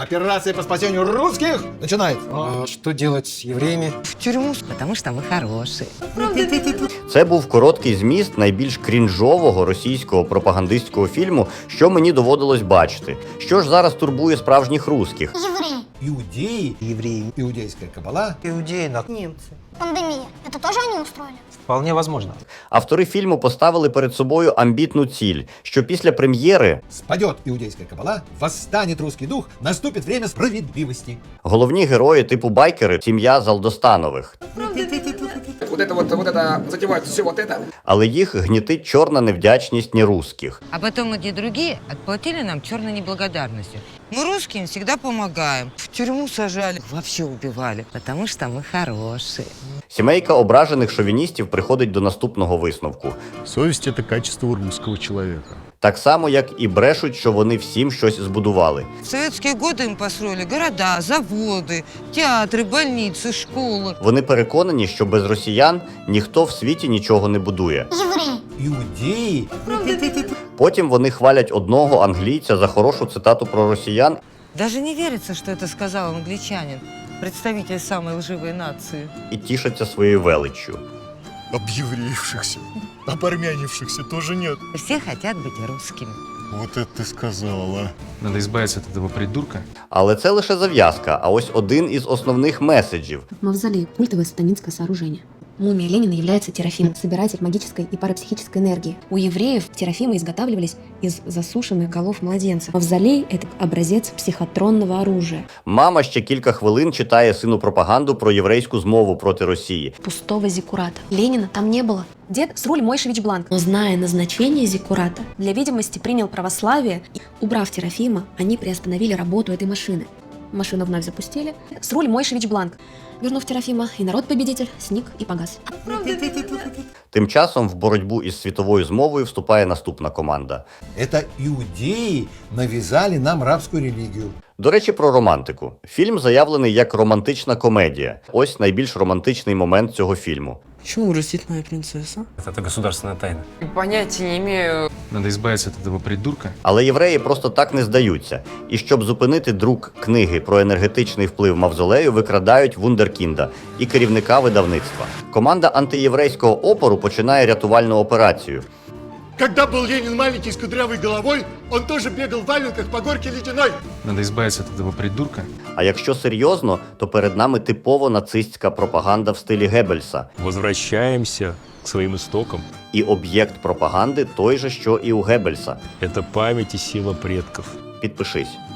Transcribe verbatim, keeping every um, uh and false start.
Операция по спасению русских начинается. А что делать с евреями? В тюрьму, потому что мы хорошие. Це був короткий зміст найбільш крінжового російського пропагандистського фільму, що мені доводилось бачити. Що ж зараз турбує справжніх русських? Евреи. Иудеи, Евреи. иудейская кабала. Иудеи на... Немцы. Пандемия. Это тоже они устроили? Вполне возможно. Автори фільму поставили перед собою амбітну ціль, що після прем'єри Спадет иудейская кабала, восстанет русский дух, наступит время справедливости. головні герої типу байкери – сім'я Залдостанових. Вот это вот, вот это, затевать все вот это. Але їх гнітить чорна невдячність нерусских. А потом эти другие отплатили нам черной неблагодарностью. Мы русским всегда помогаем. В тюрьму сажали, вообще убивали, потому что мы хорошие. Сімейка ображених шовіністів приходить до наступного висновку. Совесть – это качество у русского человека. Так само, як і брешуть, що вони всім щось збудували. В советские годы им построили города, заводы, театры, больницы, школы. Вони переконані, що без росіян ніхто в світі нічого не будує. Евреи. Иудеи. Потім вони хвалять одного англійця за хорошу цитату про росіян Даже не верится, что это сказал англичанин, представитель самой лживой нации. і тішаться своєю величчю. Объевреившихся, обармянившихся тоже нет. Все хотят быть русскими. Вот это ты сказала. Надо избавиться от этого придурка. Але це лише зав'язка, а ось один із основних меседжів. Мавзолей – культовое сатанинское сооружение. Мумия Ленина является терафимом, собиратель магической и парапсихической энергии. У евреев терафимы изготавливались из засушенных голов младенцев. Мавзолей – это образец психотронного оружия. Мама ще кілька хвилин читає сину пропаганду про єврейську змову проти Росії. Пустого зиккурата. Ленина там не было. Дед Сруль Мойшевич Бланк, но зная назначение зиккурата, для видимости принял православие. И, убрав терафима, они приостановили работу этой машины. Машину вновь запустили. Сруль Мойшевич Бланк. Вернув терафима, и народ-победитель сник и погас. Тим часом в боротьбу із світовою змовою вступає наступна команда. Это иудеи навязали нам рабскую религию. До речі, про романтику. Фільм заявлений як романтична комедія. Ось найбільш романтичний момент цього фільму. Почему грустит моя принцесса? Это государственная тайна. Понятия не имею. Надо избавиться от этого придурка. Але євреї просто так не здаються. І щоб зупинити друк книги про енергетичний вплив мавзолею, викрадають вундеркінда і керівника видавництва. Команда антиєврейського опору починає рятувальну операцію. Когда был Ленин маленький с кудрявой головой, он тоже бегал в валенках по горке ледяной. Надо избавиться от этого придурка. А якщо серйозно, то перед нами типово нацистська пропаганда в стилі Геббельса. Возвращаемся к своим истокам. І об'єкт пропаганди той же, що і у Геббельса. Это память и сила предков. Підпишись.